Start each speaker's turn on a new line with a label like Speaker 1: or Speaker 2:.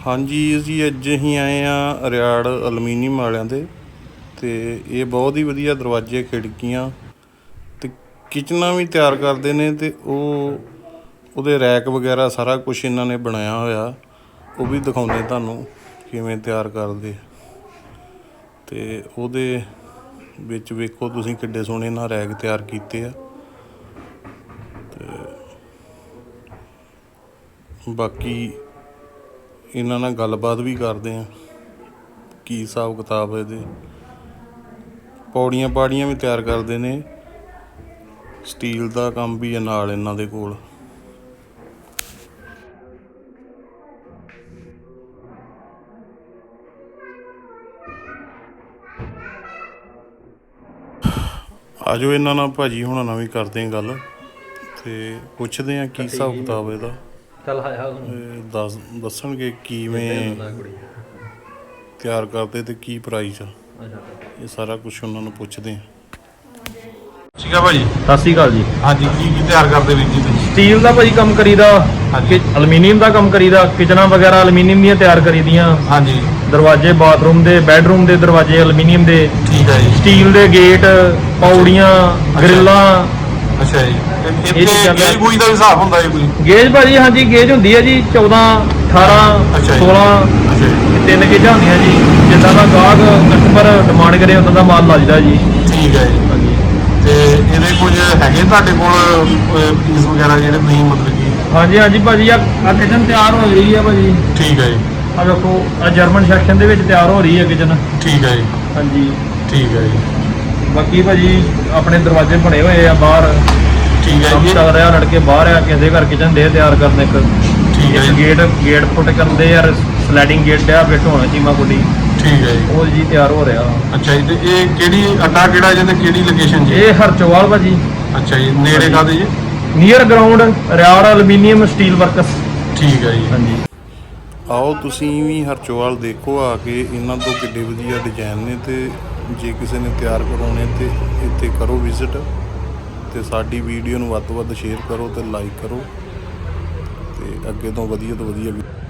Speaker 1: ਹਾਂਜੀ ਜੀ, ਅੱਜ ਅਸੀਂ ਆਏ ਆ ਰਿਆੜ ਐਲੂਮੀਨੀਅਮ ਵਾਲਿਆਂ ਦੇ। ਅਤੇ ਇਹ ਬਹੁਤ ਹੀ ਵਧੀਆ ਦਰਵਾਜ਼ੇ, ਖਿੜਕੀਆਂ ਅਤੇ ਕਿਚਨਾਂ ਵੀ ਤਿਆਰ ਕਰਦੇ ਨੇ। ਅਤੇ ਉਹਦੇ ਰੈਕ ਵਗੈਰਾ ਸਾਰਾ ਕੁਛ ਇਹਨਾਂ ਨੇ ਬਣਾਇਆ ਹੋਇਆ, ਉਹ ਵੀ ਦਿਖਾਉਂਦੇ ਤੁਹਾਨੂੰ ਕਿਵੇਂ ਤਿਆਰ ਕਰਦੇ। ਅਤੇ ਉਹਦੇ ਵਿੱਚ ਵੇਖੋ ਤੁਸੀਂ ਕਿੱਡੇ ਸੋਹਣੇ ਨਾਲ ਰੈਕ ਤਿਆਰ ਕੀਤੇ ਆ। ਅਤੇ ਬਾਕੀ ਇਹਨਾਂ ਨਾਲ ਗੱਲਬਾਤ ਵੀ ਕਰਦੇ ਹਾਂ, ਕੀ ਹਿਸਾਬ ਕਿਤਾਬ ਇਹਦੇ। ਪੌੜੀਆਂ ਪਾੜੀਆਂ ਵੀ ਤਿਆਰ ਕਰਦੇ ਨੇ, ਸਟੀਲ ਦਾ ਕੰਮ ਵੀ ਹੈ ਨਾਲ ਇਹਨਾਂ ਦੇ ਕੋਲ। ਆ ਜਾਓ ਇਹਨਾਂ ਨਾਲ ਭਾਜੀ ਹੁਣਾਂ ਨਾਲ ਵੀ ਕਰਦੇ ਹਾਂ ਗੱਲ, ਅਤੇ ਪੁੱਛਦੇ ਹਾਂ ਕੀ ਹਿਸਾਬ ਕਿਤਾਬ ਇਹਦਾ। ਦੱਸਣਗੇ ਕਿਵੇਂ ਤਿਆਰ ਕਰਦੇ ਅਤੇ ਕੀ ਪ੍ਰਾਈਸ ਆ। ਇਹ ਸਾਰਾ ਕੁਛ ਉਹਨਾਂ ਨੂੰ ਪੁੱਛਦੇ ਹਾਂ। ਠੀਕ ਆ ਭਾਜੀ,
Speaker 2: ਸਤਿ ਸ਼੍ਰੀ ਅਕਾਲ ਜੀ।
Speaker 1: ਹਾਂਜੀ, ਕੀ ਤਿਆਰ ਕਰਦੇ ਵੀਰ ਜੀ ਤੁਸੀਂ?
Speaker 2: ਸਟੀਲ ਦਾ ਭਾਜੀ ਕੰਮ ਕਰੀਦਾ, ਐਲੂਮੀਨੀਅਮ ਦਾ ਕੰਮ ਕਰੀਦਾ, ਕਿਚਨਾਂ ਵਗੈਰਾ ਐਲੂਮੀਨੀਅਮ ਦੀਆਂ ਤਿਆਰ ਕਰੀਦੀਆਂ।
Speaker 1: ਹਾਂਜੀ।
Speaker 2: ਦਰਵਾਜ਼ੇ ਬਾਥਰੂਮ ਦੇ, ਬੈਡਰੂਮ ਦੇ ਦਰਵਾਜ਼ੇ ਐਲੂਮੀਨੀਅਮ ਦੇ।
Speaker 1: ਠੀਕ ਹੈ ਜੀ।
Speaker 2: ਸਟੀਲ ਦੇ ਗੇਟ, ਪੌੜੀਆਂ, ਗਰਿੱਲਾਂ।
Speaker 1: ਅੱਛਾ ਜੀ। ਇਹ ਗੇਜ ਗੂਜ ਦਾ ਵੀ ਹਿਸਾਬ ਹੁੰਦਾ ਜੀ ਕੋਈ?
Speaker 2: ਗੇਜ ਭਾਜੀ ਹਾਂਜੀ, ਗੇਜ ਹੁੰਦੀ ਹੈ ਜੀ 14, 18, 16। ਤਿੰਨ ਗੇਜਾਂ ਹੁੰਦੀਆਂ ਜੀ। ਜਿੱਦਾਂ ਦਾ ਗਾਹਕ ਕਸਟਮਰ ਡਿਮਾਂਡ ਕਰੇ ਉਦਾਂ ਦਾ ਮਾਲ ਲੱਜਦਾ ਜੀ।
Speaker 1: ਠੀਕ ਹੈ ਜੀ। ਹਾਂਜੀ। ਅਤੇ ਇਹਦੇ ਕੁਝ ਹੈਗੇ ਤੁਹਾਡੇ ਕੋਲ ਪੀਸ ਵਗੈਰਾ ਜਿਹੜੇ ਤੁਸੀਂ ਮਤਲਬ ਕਿ?
Speaker 2: ਹਾਂਜੀ ਹਾਂਜੀ ਭਾਜੀ, ਆ ਕਿਚਨ ਤਿਆਰ ਹੋ ਰਹੀ ਹੈ ਭਾਜੀ।
Speaker 1: ਠੀਕ ਹੈ ਜੀ।
Speaker 2: ਆ ਵੇਖੋ, ਆ ਜਰਮਨ ਸੈਕਸ਼ਨ ਦੇ ਵਿੱਚ ਤਿਆਰ ਹੋ ਰਹੀ ਹੈ ਕਿਚਨ।
Speaker 1: ਠੀਕ ਹੈ ਜੀ।
Speaker 2: ਹਾਂਜੀ।
Speaker 1: ਠੀਕ ਹੈ ਜੀ।
Speaker 2: ਬਾਕੀ ਭਾਜੀ ਆਪਣੇ ਦਰਵਾਜ਼ੇ ਬਣੇ ਹੋਏ ਆ ਬਾਹਰ।
Speaker 1: ਠੀਕ ਹੈ ਜੀ।
Speaker 2: ਚੱਲ ਰਿਹਾ, ਲੜਕੇ ਬਾਹਰ ਆ, ਕਿਸੇ ਦੇ ਘਰ ਕਿਚਨ ਦੇ ਤਿਆਰ ਕਰਨ ਇੱਕ।
Speaker 1: ਠੀਕ ਹੈ ਜੀ।
Speaker 2: ਗੇਟ ਫੁੱਟ ਕਰਦੇ ਯਾਰ, ਸਲਾਈਡਿੰਗ ਗੇਟ ਆ ਫਿੱਟ ਹੋਣਾ ਚੀਮਾ ਕੁੱਡੀ।
Speaker 1: ਠੀਕ ਹੈ ਜੀ।
Speaker 2: ਉਹ ਜੀ ਤਿਆਰ ਹੋ ਰਿਹਾ।
Speaker 1: ਅੱਛਾ ਜੀ। ਤੇ ਇਹ ਕਿਹੜੀ ਅੱਡਾ ਕਿਹੜਾ ਜੀ, ਤੇ ਕਿਹੜੀ ਲੋਕੇਸ਼ਨ ਜੀ?
Speaker 2: ਇਹ ਹਰਚੋਵਾਲ ਭਾਜੀ।
Speaker 1: ਅੱਛਾ ਜੀ। ਨੇੜੇ ਕਾਹਦੇ ਜੀ?
Speaker 2: Near ground, Riar aluminium steel works.
Speaker 1: ਠੀਕ ਹੈ ਜੀ।
Speaker 2: ਹਾਂਜੀ।
Speaker 1: ਆਓ ਤੁਸੀਂ ਵੀ ਹਰਚੋਵਾਲ ਦੇਖੋ ਆ ਕੇ, ਇਹਨਾਂ ਤੋਂ ਕਿੱਡੇ ਵਧੀਆ ਡਿਜ਼ਾਈਨ ਨੇ। ਅਤੇ ਜੇ ਕਿਸੇ ਨੇ ਤਿਆਰ ਕਰਵਾਉਣੇ ਤਾਂ ਇੱਥੇ ਕਰੋ ਵਿਜ਼ਿਟ, ਅਤੇ ਸਾਡੀ ਵੀਡੀਓ ਨੂੰ ਵੱਧ ਤੋਂ ਵੱਧ ਸ਼ੇਅਰ ਕਰੋ ਅਤੇ ਲਾਈਕ ਕਰੋ, ਅਤੇ ਅੱਗੇ ਤੋਂ ਵਧੀਆ